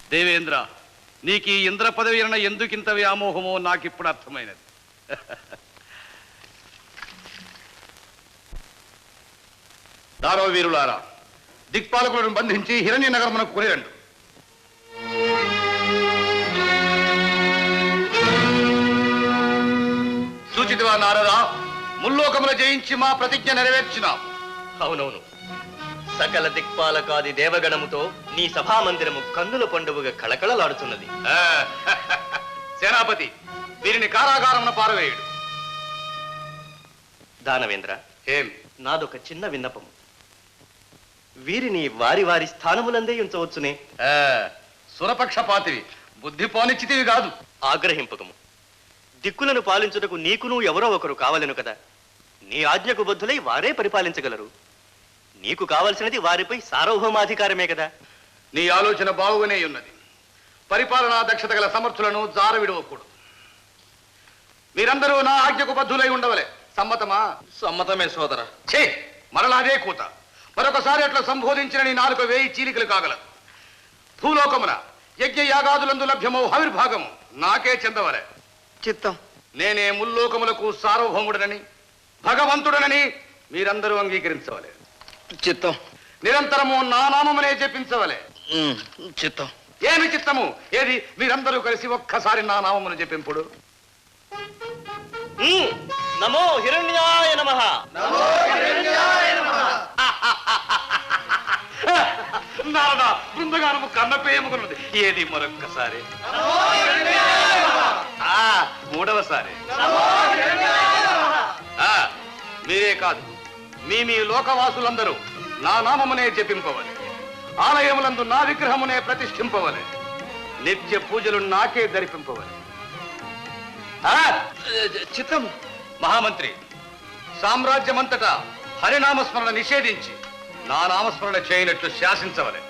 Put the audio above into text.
దేవేంద్ర, నీకు ఈ ఇంద్ర పదవి అన్న ఎందుకింత వ్యామోహమో నాకిప్పుడు అర్థమైనది. దారవ వీరులారా, దిక్పాలకులను బంధించి హిరణ్య నగరమునకు కొనిరండు. సూచితవా నారదా, ముల్లోకముల జయించి మా ప్రతిజ్ఞ నెరవేర్చినాం. అవునవును, సకల దిక్పాలకాది దేవగణముతో నీ సభామందిరము కన్నుల పండుగగా కళకళలాడుతున్నది. సేనాపతి, వీరిని కారాగారమున పారవేయుడు. దానవేంద్ర, ఏం? నాదొక చిన్న విన్నపము. వీరిని వారి వారి స్థానములందే ఉంచవచ్చునే. సురపక్షపాతివి, బుద్ధి పోనిచ్చితివి కాదు. ఆగ్రహింపకము. దిక్కులను పాలించుటకు నీకును ఎవరో ఒకరు కావలెను కదా. నీ ఆజ్ఞకు బద్ధులై వారే పరిపాలించగలరు. నీకు కావలసినది వారిపై సార్వభౌమాధికారమే కదా. నీ ఆలోచన బాగుగానే ఉన్నది. పరిపాలనా దక్షత గల సమర్థులను జార విడవకూడదు. మీరందరూ నా ఆజ్ఞకు బద్ధులై ఉండవలే. సమ్మతమా? సమ్మతమే సోదర. ఛే, మరలాదే కూత. మరొకసారి అట్లా సంబోధించిన నీ నాలుక 1000 చీలికలు కాగలదు. భూలోకమున యజ్ఞ యాగాదులందు లభ్యమో హవిర్భాగము నాకే చెందవలే. చిత్తం. నేనే ముల్లోకములకు సార్వభౌముడనని, భగవంతుడనని మీరందరూ అంగీకరించవలే. చిత్తం. నిరంతరము నా నామమునే జపించవలే. చిత్తం. ఏమి చిత్తము? ఏది? మీరందరూ కలిసి ఒక్కసారి నా నామమును జపింపుడు. నమో హిరణ్యాయ నమః. నారదా, బృందగానము కన్నపేయముకున్నది. ఏది? మరొక్కసారి. మూడవసారి. మీరే కాదు, మీ లోకవాసులందరూ నా నామమునే జపింపవలే. ఆలయములందు నా విగ్రహమునే ప్రతిష్ఠింపవలే. నిత్య పూజలు నాకే దరిపింపవలే. చిత్తం. మహామంత్రి, సామ్రాజ్యమంతటా హరినామస్మరణ నిషేధించి నా నామస్మరణ చేయనట్లు శాసించవలే.